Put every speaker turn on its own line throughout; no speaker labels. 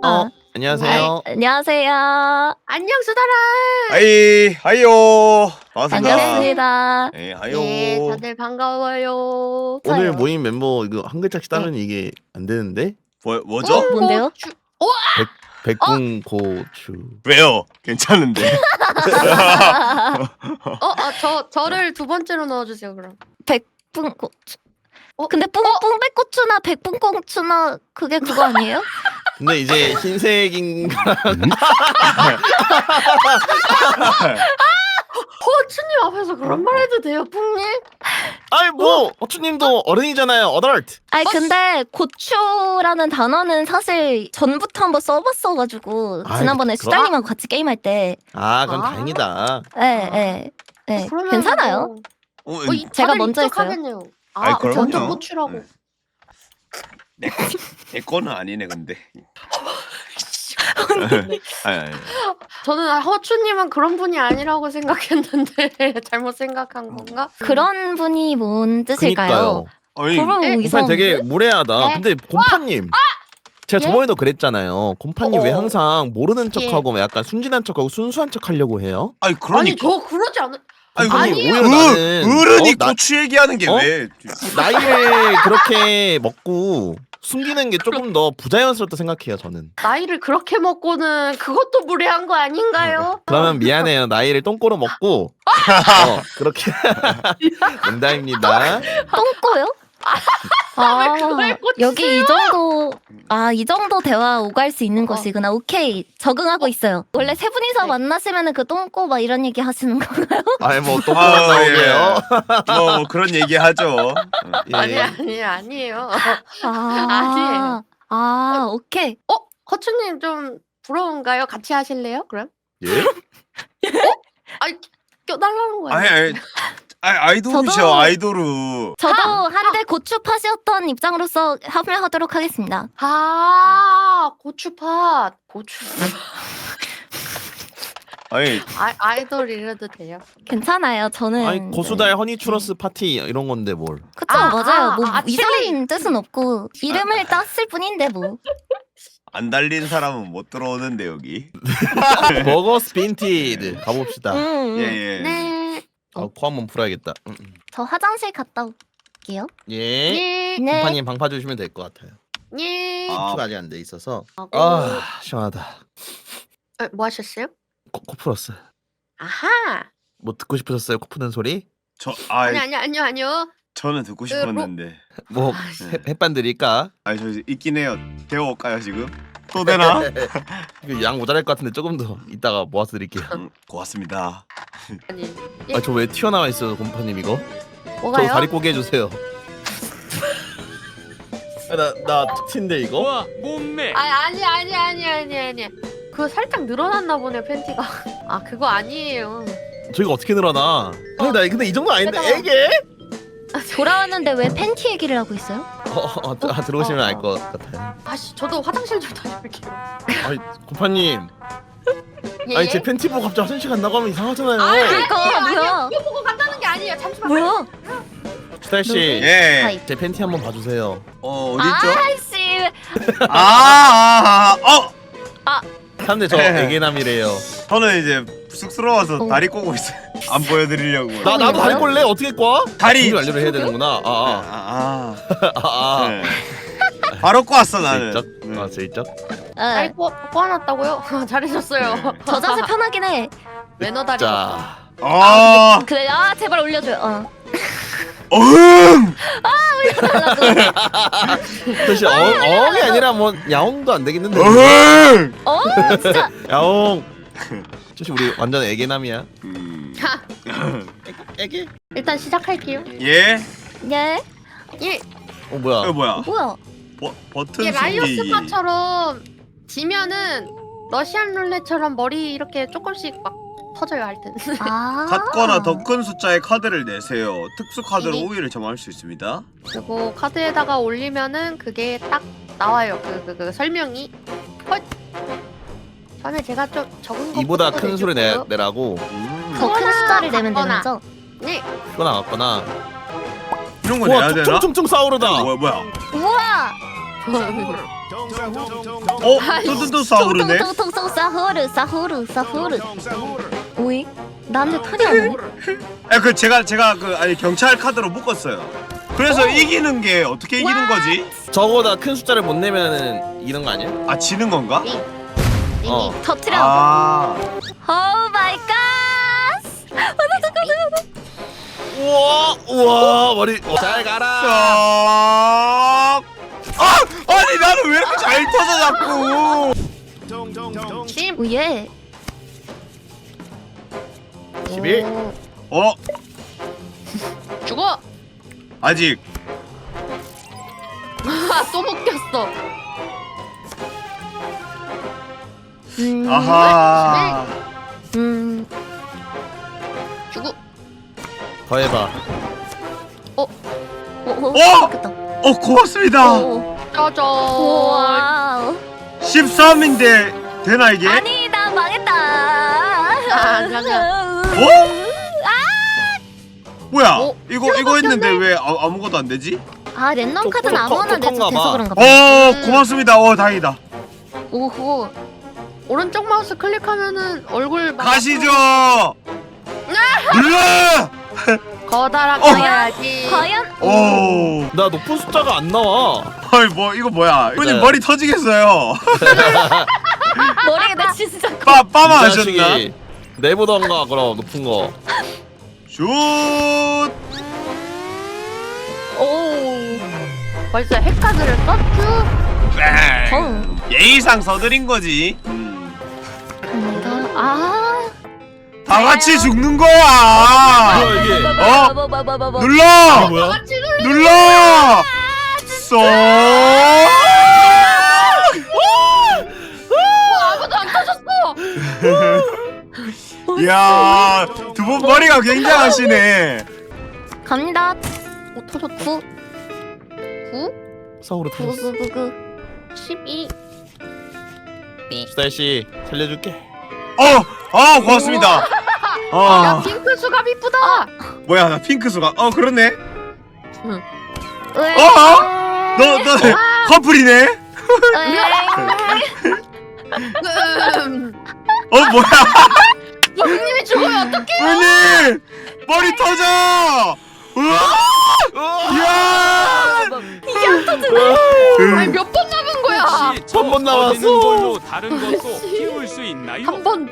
안녕하세요.
안녕하세요.
안녕 수달아.
하이요. 반갑습니다.
반갑습니다.
네, 하이요.
네, 다들 반가워요.
오늘 모임 멤버 이거 한 글자씩 따면 이게 안 되는데?
뭐죠?
뭔데요?
백분고추.
왜요? 괜찮은데.
저를 두 번째로 넣어주세요 그럼.
백분고추. 근데 뿡백고추나 백분고추나 그게 그거 아니에요?
근데 이제 흰색인
허추님 앞에서 그런 말 해도 돼요, 뿡님?
아이 뭐 어추님도 어른이잖아요. 어덜트.
아니 근데 고추라는 단어는 사실 전부터 한번 써봤어가지고
아이,
지난번에 수달님하고 같이 게임할 때
아 그럼
아.
다행이다.
네.
그러면
괜찮아요. 제가 먼저 했어요.
하겠네요.
아이, 그럼요.
먼저 고추라고.
내 거는 아니네 근데. 아니.
저는 허추님은 그런 분이 아니라고 생각했는데 잘못 생각한 건가?
그런 분이 뭔 뜻일까요?
아니,
그럼
네.
이상.
곰판 되게 무례하다.
네.
근데 곰파님. 제가
예?
저번에도 그랬잖아요. 곰파님 왜 항상 모르는
예.
척하고 약간 순진한 척하고 순수한 척하려고 해요?
아니
아니
그러니까.
저 그러지 않은.
곰파님
아니에요.
오히려 나는
어른이
나-
고추 얘기하는 게 왜?
나이를 그렇게 먹고 숨기는 게 조금 더 부자연스럽다 생각해요. 저는.
나이를 그렇게 먹고는 그것도 무례한 거 아닌가요?
그러면 미안해요. 나이를 똥꼬로 먹고 그렇게 농담입니다.
똥꼬요?
왜 그걸 고치세요?
여기 이 정도 대화 오갈 수 있는 것이구나. 오케이, 적응하고 있어요. 원래 세 분이서
네.
만나시면은 그 똥꼬 막 이런 얘기 하시는 건가요?
아니 뭐 똥꼬만 나오게요.
뭐 그런 얘기 하죠.
예.
아니에요.
아니에요. 오케이.
허추님 좀 부러운가요? 같이 하실래요? 그럼?
예?
아니 껴달라는 거예요.
아이돌이죠
저도-
아이돌우.
저도 한때 고추팟이었던 입장으로서 합류하도록 하겠습니다.
고추팥.
아니
아이돌 이래도 돼요.
괜찮아요. 저는.
아니 고수달 허니 추러스 파티 이런 건데 뭘?
그쵸,
아,
맞아요.
아,
뭐
아,
이상한 뜻은 없고 이름을 땄을 뿐인데 뭐.
안 달린 사람은 못 들어오는데 여기.
버거 스핀티드 가봅시다.
예예.
네.
코 한번 풀어야겠다.
저 화장실 갔다 올게요.
예.
예.
네.
곰파님 방파 주시면 될 것 같아요.
예.
추가 아직 안 돼 있어서.
하고.
아 시원하다.
뭐 하셨어요?
코 풀었어요.
아하.
뭐 듣고 싶으셨어요? 코 푸는 소리?
아니요.
저는 듣고 싶었는데.
뭐 햇반 드릴까?
아니 저 있긴 해요. 데워올까요 지금? 또 되나?
이거 양 모자랄 것 같은데 조금 더 이따가 모아서 드릴게요.
고맙습니다.
아니.
아 저 왜 튀어나와 있어요, 곰파님 이거? 저
뭐가요?
다리 꼬개 해주세요. 나 특티인데 이거?
와 몸매
아니. 그거 살짝 늘어났나 보네 팬티가. 그거 아니에요.
저희가 어떻게 늘어나? 아니 나 근데 이 정도 아닌데
세상에.
애게?
돌아왔는데 왜 팬티 얘기를 하고 있어요?
들어오시면 알 것 같아요.
저도 화장실 좀 다녀올게요.
아니 곰파님,
예?
아니 제 팬티 보고 갑자기 화장실 간다고 하면 이상하잖아요.
그러니까 뭐야?
이거 보고 간다는 게 아니에요. 잠시만.
뭐야?
수달 씨,
예.
하이.
제 팬티 한번 봐주세요.
어딨죠?
아이씨.
사람들 저 애기남이래요.
저는 이제 쑥스러워서 다리 꼬고 있어요. 안 보여드리려고.
나도 다리
뭐요?
꼴래? 어떻게 꽈?
다리.
공유 완료를 해야 되는구나.
네. 바로 꼬았어 나는.
슬쩍. 슬쩍.
다리 꼬아놨다고요? 잘해줬어요.
저 자세 편하긴 해.
매너 다리.
자,
그래, 제발 올려줘요.
사실 어엉이 아니라 뭐 야옹도 안 되겠는데.
진짜.
야옹. 사실 우리 완전 애기남이야. 애기?
일단 시작할게요.
예?
예.
예.
뭐야?
이거 뭐야?
뭐야?
버튼
이게
숨기기.
라이오스파처럼 지면은 러시안 룰렛처럼 머리 이렇게 조금씩 막 터져요 하여튼.
같거나 더 큰 숫자의 카드를 내세요. 특수 카드로
이게-
우위를 점할 수 있습니다.
그리고 카드에다가 올리면은 그게 딱 나와요. 그 설명이. 헐. 전에 제가 좀 적은 거
이보다
보고
큰 소리
내줬고요.
내라고.
더 큰 숫자를 내면
같거나.
되는 거죠?
네.
그거 나왔구나.
이런 거 내야
와,
되나?
퉁퉁퉁 싸우르다.
뭐야?
우와.
뚜뚜뚜 싸우르네.
통통통통 사후르. 오이? 나한테 털이 안 오네?
그 제가 그 아니 경찰 카드로 묶었어요. 그래서 이기는 게 어떻게 이기는 거지?
저거보다 큰 숫자를 못 내면은 이런 거 아니야?
아 지는 건가?
어.
터트려.
아.
오 마이 갓.
우와 머리. 잘 가라.
아니 나는 왜 이렇게 잘 터져 자꾸?
심.
오예.
11.
죽어.
아직.
또 묶였어.
아하.
죽어.
더 해봐.
좋겠다.
고맙습니다.
짜잔.
와우.
13인데 되나 이게?
아니 나 망했다.
잠깐.
뭐야?
어?
이거 했는데 왜 아무것도 안 되지?
아 랜덤
좀
카드는 아무거나 내서
톡톡한가 봐.
돼서 그런가 봐.
고맙습니다. 다행이다.
오호. 오른쪽 마우스 클릭하면은 얼굴 막
가시죠. 눌러.
거다랗게 해야지.
과연?
오.
나 높은 숫자가 안 나와.
헐 이거 뭐야? 형님
네.
머리 터지겠어요.
머리가 나 진짜
빠마
이
하셨나?
자식이 내보던가 그럼 높은 거.
슛.
오.
벌써 핵카드를 썼죠?
뺑. 예의상 서드린 거지.
갑니다. 아.
다 같이 죽는 거야.
뭐야 이게?
눌러.
이게 뭐야?
눌러. 쏙.
아무도 안 터졌어.
이야, 두 분 머리가 굉장하시네.
갑니다.
터졌다.
9
서울로 터졌어.
12.
수다씨 살려줄게.
고맙습니다.
야 핑크 수갑 이쁘다.
뭐야, 나 핑크 수가. 그렇네.
왜?
너 커플이네. 뭐야?
형님이 죽으면 어떡해?
형님, 머리 터져. 우와, 이야.
아니 몇 번 남은 거야?
한 번 남았어.
터지는 걸로 다른 것도 키울 수 있나요?
한 번.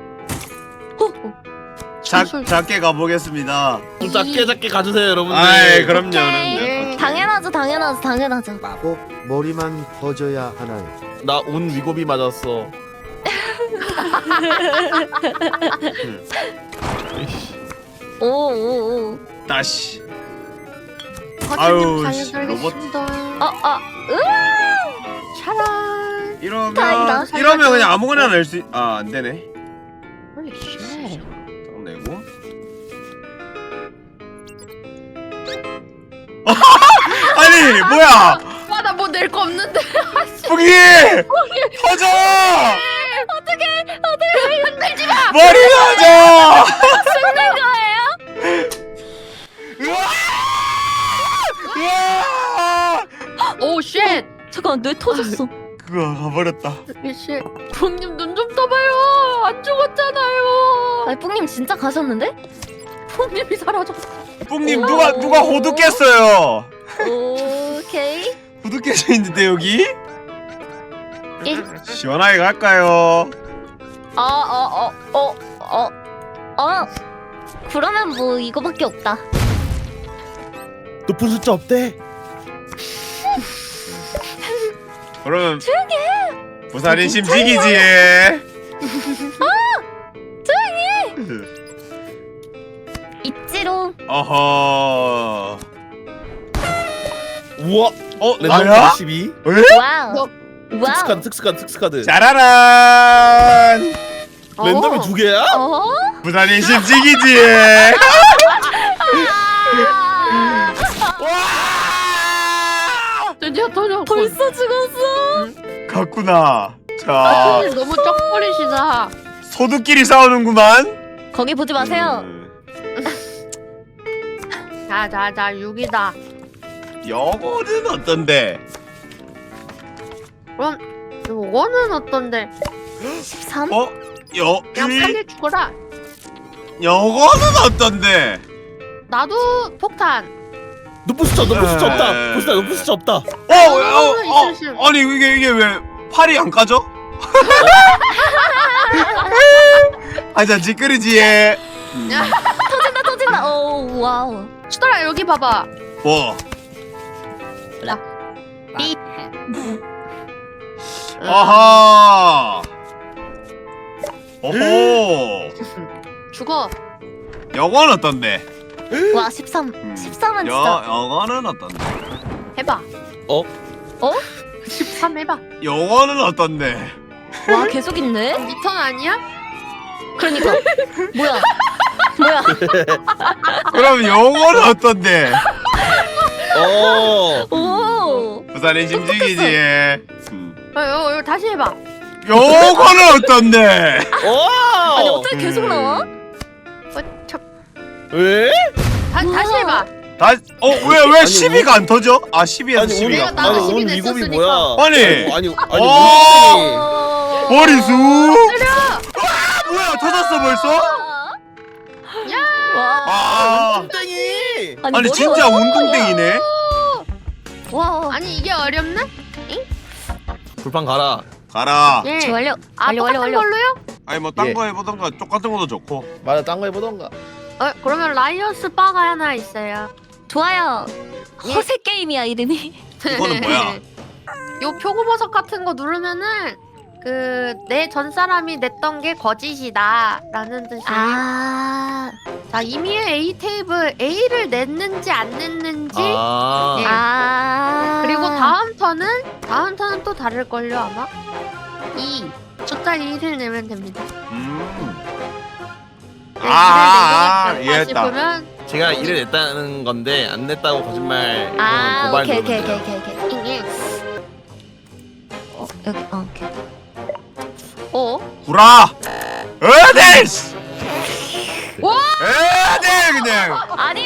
작게 가보겠습니다.
좀 작게 가주세요 여러분들.
아이, 그럼요.
오케이. 당연하죠.
꼭 머리만 퍼져야 하나요?
나 온 위고비 맞았어.
오.
다시.
아유,
아유,
살려드리겠습니다. 차란.
다행이다.
이러면 그냥 아무거나 낼 수. 안 되네.
홀리 쉣.
딱 내고. 아니 뭐야?
나 뭐 낼 거 없는데.
뿌기! 터져!
어떻게 흔들지 마.
머리 터져!
죽는 거예요?
우와! 우와!
오 쉣.
잠깐 뇌 터졌어.
그거 가버렸다.
쉣. 형님 눈 좀 떠봐요. 안 죽었잖아요.
아니 뿡님 진짜 가셨는데?
형님이 사라졌어.
뿡님 누가 호두 깼어요?
오케이.
호두 깨져 있는데 여기?
일.
시원하게 갈까요?
그러면 뭐 이거밖에 없다.
높은 숫자 없대.
그러면
조용히
부산인 심지기지.
있지롱.
어허.
우와. 랜덤
나야?
12.
와우. 와우.
특수카드.
짜라란.
랜덤이 2개야?
부산인 심지기지.
드디어 터졌고.
벌써 죽었어.
갔구나. 자,
형님 너무 쩍버리시다.
소두끼리 싸우는구만.
거기 보지 마세요.
자 6이다.
요거는 어떤데?
그럼 요거는 어떤데?
13?
어?
그냥 살려 죽어라.
요거는 어떤데?
나도 폭탄.
노프스트 없다. 보스다 노프스트 없다.
아니 이게 왜 팔이 안 까져? 아자 찌끄리지 얘.
터진다. 오 와우.
수달아 여기 봐봐.
뭐?
삐.
아하. 오호.
죽어.
요거는 어떤데?
와 13. 13은 진짜.
요거는 어떤데?
해봐.
어?
13 해봐.
요거는 어떤데?
와 계속 있네.
리턴 아니야?
그러니까 뭐야?
그럼 요거는 어떤데?
오.
부산의 심지기지 얘.
요 다시 해봐.
요거는 어떤데?
아니 어떻게 계속 나와?
왜?
다시 해봐.
왜
아니,
12가 안 터져? 아 12에서
아니
12가.
나도
아니
12
온 미국이
냈었으니까.
뭐야?
아니.
아니
머리수.
때려.
뭐야 터졌어 벌써?
와.
아.
땡이.
아니
머리가
진짜
어떡하냐.
운동땡이네.
와.
아니 이게 어렵네?
불판 가라.
가라.
예.
완료.
똑같은 걸로요?
아니 뭐 딴
예.
거 해보던가 똑같은 것도 좋고.
맞아 딴 거 해보던가.
그러면 라이언스 바가 하나 있어요.
좋아요. 허세 게임이야 이름이.
이거는 뭐야?
요 표고버섯 같은 거 누르면은 내 전 사람이 냈던 게 거짓이다라는 뜻이에요.
아.
자 이미의 A 테이블 A를 냈는지 안 냈는지
아.
예. 그리고 다음 턴은 또 다를걸요 아마. 2 숫자 2를 내면 됩니다.
이해했다.
싶으면
제가 일을 냈다는 건데 안 냈다고 거짓말.
아
고발
오케이.
누르면 돼요.
여기 오케이.
구라. 어데스.
와!
에데 그냥.
아니
에?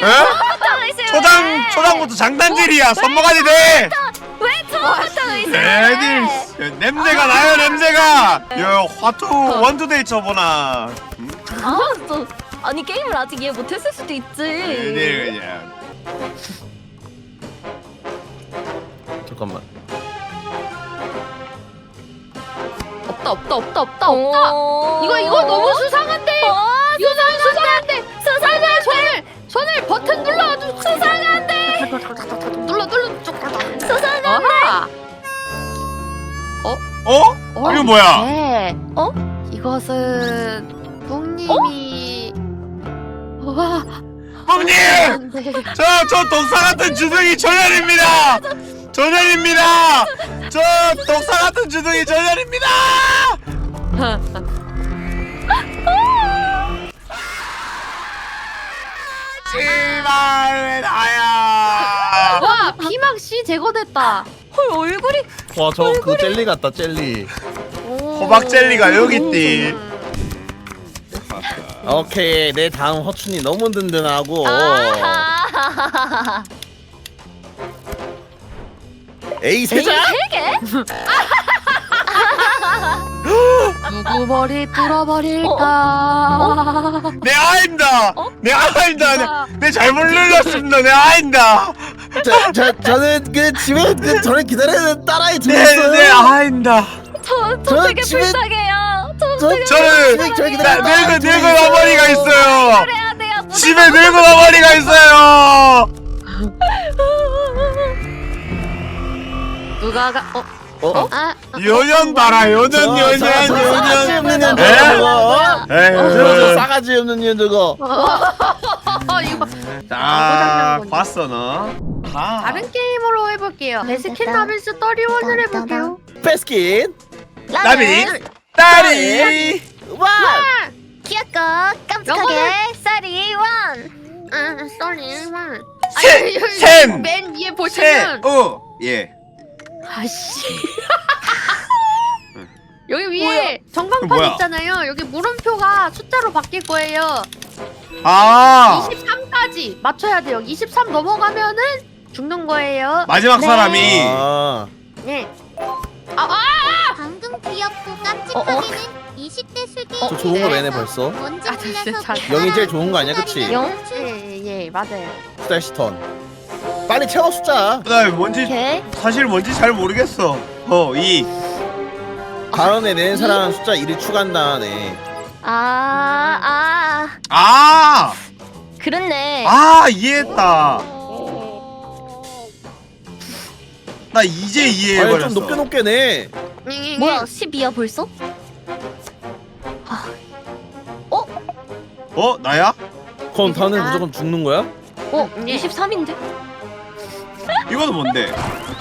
초장부터 장단질이야. 선모가지 돼.
왜 처음부터 의심을
에디스. 냄새가 나요 냄새가. 야 화투 원투데이 쳐보나.
아니 게임을 아직 이해 못했을 수도 있지.
에디 그냥.
잠깐만.
없다.
오.
이거 너무 수상한데. 이거 너무 수상한데. 손을 버튼 눌러 아주 수상한데. 눌러.
수상한데.
이거 뭐야?
네.
어?
이것은 뿡님이 와.
뿡님! 저 독사 같은 주둥이 전열입니다! 전열입니다! 저 독사 같은 주둥이 전열입니다! 제발 왜 나야?
와 피막 씨 제거됐다.
헐 얼굴이.
와 저 그 젤리 같다 젤리.
호박 젤리가 여기 있디.
오케이 내 다음 허춘이 너무 든든하고.
아하.
에이 세자.
누구 머리 뚫어버릴까?
내 아입니다! 내 아입니다! 내 잘못 눌렀습니다! 내 아입니다!
저는 그 집에 그 저를 기다리는 딸아이 둘
내
있어요.
아입니다!
저 되게
집에-
불쌍해요.
저는 저를 기다리는 딸아이 둘
늙은 어머니가 있어요!
그래야 돼요.
집에 늙은 어머니가 있어요!
누가 가?
연연 봐라 연연
싸가지 없는 년
에?
저거. 저
에휴
싸가지 없는 년 저거.
이거
딱 봤어 너?
다른 게임으로 해볼게요. 베스킨 라빈스 31을 해볼게요.
패스킨.
나비 딸이
와.
귀엽고 깜찍하게 쌀이 원.
썰리만.
샘!
맨 위에 보시면
예
아씨. 여기 위에
뭐야?
전광판 있잖아요. 여기 물음표가 숫자로 바뀔 거예요.
아
23까지 맞춰야 돼요. 23 넘어가면은 죽는 거예요.
마지막
네.
사람이
아.
네.
방금 귀엽고 깜찍하게는 20대 술기.
저 좋은 거 매네 벌써.
먼저
아, 진짜
골라서
잘-
영이 제일 좋은 거 아니야, 그치?
영?
예, 맞아요.
스타일시 턴. 빨리 채워 숫자.
나 뭔지
오케이.
사실 뭔지 잘 모르겠어. 2.
다음에 낸 사람 숫자 1을 추가한다네.
아!
그렇네.
이해했다. 나 이제
아니
이해해버렸어.
좀 높게 높게 내.
뭐야 12야 벌써?
나야?
그럼 다음에 무조건 죽는 거야?
23인데?
이거는 뭔데?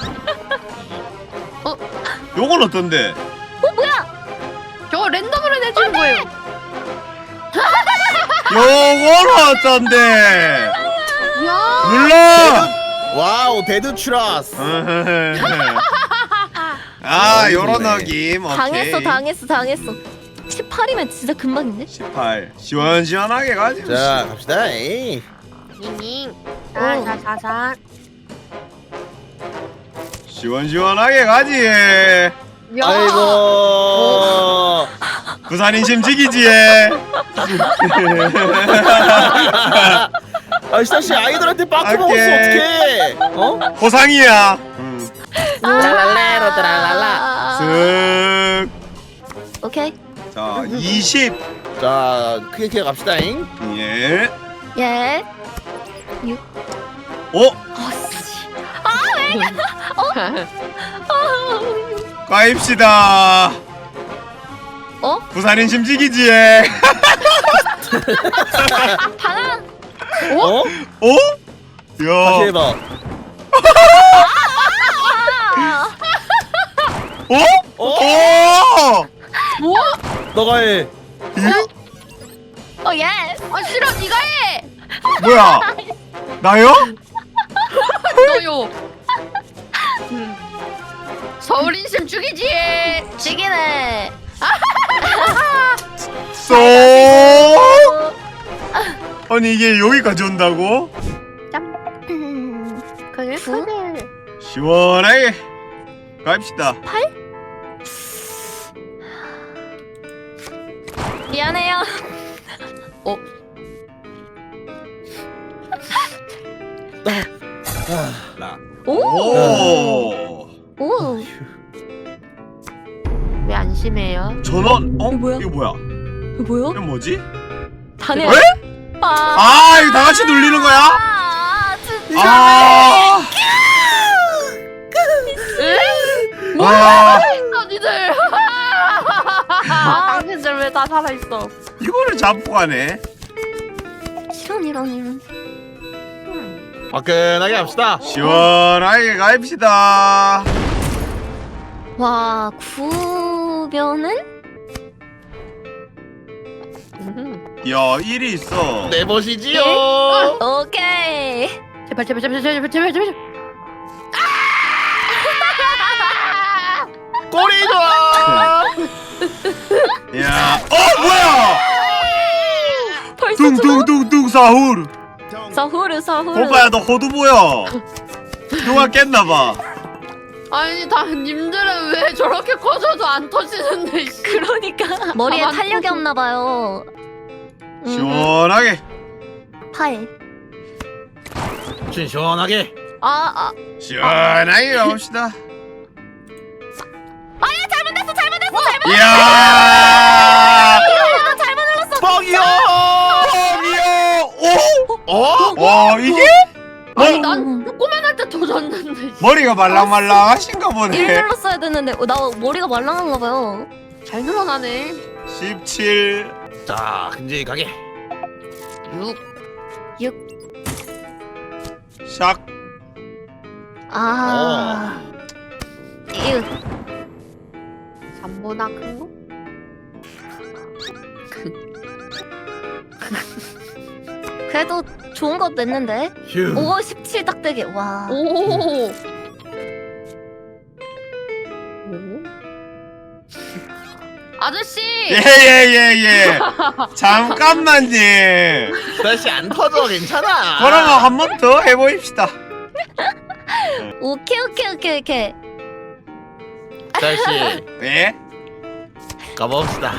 요건 어떤데?
저거 랜덤으로 내주는 거예요.
요건 어떤데?
야.
눌러!
와우 데드 추라스.
요런 느낌. 오케이.
당했어. 18이면 진짜 금방인데?
18. 시원시원하게 가지.
자 갑시다. 에이.
닝닝. 자자자자.
시원시원하게 가지.
아이고.
부산 인심 지기지.
아 스타씨 아이들한테 빠꾸 먹었어
오케이.
어떡해? 어?
보상이야.
랄랄레로 드랄랄라.
쓱.
오케이.
자, 20.
자 크게 갑시다잉.
예.
예. 아씨.
가입시다. 부산 인심 지기지.
방아.
어? 다시
야.
해봐.
오!
너가 해.
예.
싫어, 네가 해.
뭐야? 나요?
너요. 서울 인심 죽이지.
지기네.
쏙! 아니 이게 여기까지 온다고?
그래,
구?
그래.
시원하게 가입시다.
미안해요.
오!
오.
왜 안심해요?
전원?
이거 뭐야?
이거 뭐야?
이거 뭐야?
이건 뭐지?
다네.
왜? 이거 다 같이 눌리는 거야?
진짜.
니들. 당신들 왜 다 살아 있어?
이거를 잡고 가네.
이런.
화끈하게 합시다.
시원하게 가입시다.
와, 구변은?
야, 1이 있어.
네 버시지요.
오케이.
제발.
꼬리 좋아.
야, 뭐야?
벌써
둥둥둥둥 사후르.
사후르.
오빠야, 너 호두 보여? 누가 깼나봐.
아니, 다 님들은 왜 저렇게 커져도 안 터지는데?
그러니까 머리에
가만
탄력이
둬도.
없나 봐요.
시원하게.
팔.
시원하게.
시원하게 가봅시다.
잘못했어.
이야!
잘못 눌렀어.
뻥이요.
와, 이게?
아니, 난 조그만할 때 터졌는데.
머리가 말랑말랑하신가
일
보네.
눌렀어야 됐는데 나 머리가 말랑한가 봐요.
잘 늘어나네.
17.
자 큼직하게.
6.
샥.
이거
3보다 큰 거?
그래도 좋은 거 냈는데.
휴.
오, 17 딱대기. 와.
오. 아저씨.
예. 잠깐만요.
다시 안 터져 괜찮아.
그러면 한 번 더 해보입시다.
오케이.
짤씨
예?
가봅시다.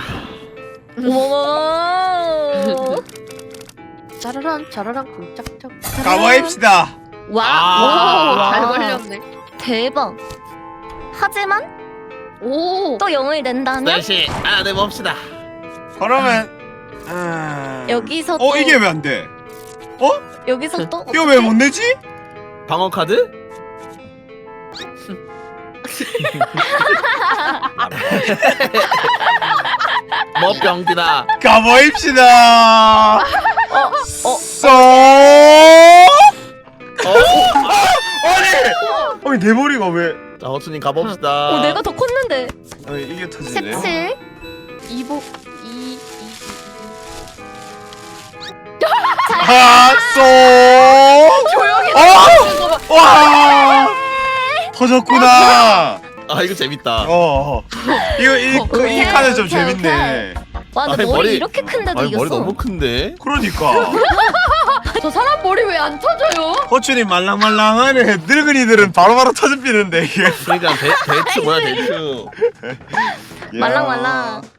오.
짜라란 짜라란 쿵짝짝.
가봐입시다.
와.
아.
잘
와.
걸렸네.
대박. 하지만
오.
또 0을 낸다면
짤씨 하나 내봅시다.
그러면
여기서 또
이게 왜 안 돼?
여기서 또
이거 왜 못 내지?
방어 카드? 뭐 병디다.
가봐입시다. 쏙. 아니 내 머리가 왜?
자 허수님 가봅시다.
내가 더 컸는데.
아니 이게 터지네.
17.
이복 이
쏙.
조용히
와. 터졌구나.
아 이거 재밌다.
이 카드 좀
오케이,
재밌네.
와, 나
아니,
머리
머리-
이렇게 큰데도
아니
이겼어.
머리 너무 큰데.
그러니까
저 사람 머리 왜 안 터져요?
호출이 말랑말랑하네. 늙은이들은 바로바로 터집히는데 이게.
그러니까 대추 뭐야 대추.
야.
말랑말랑.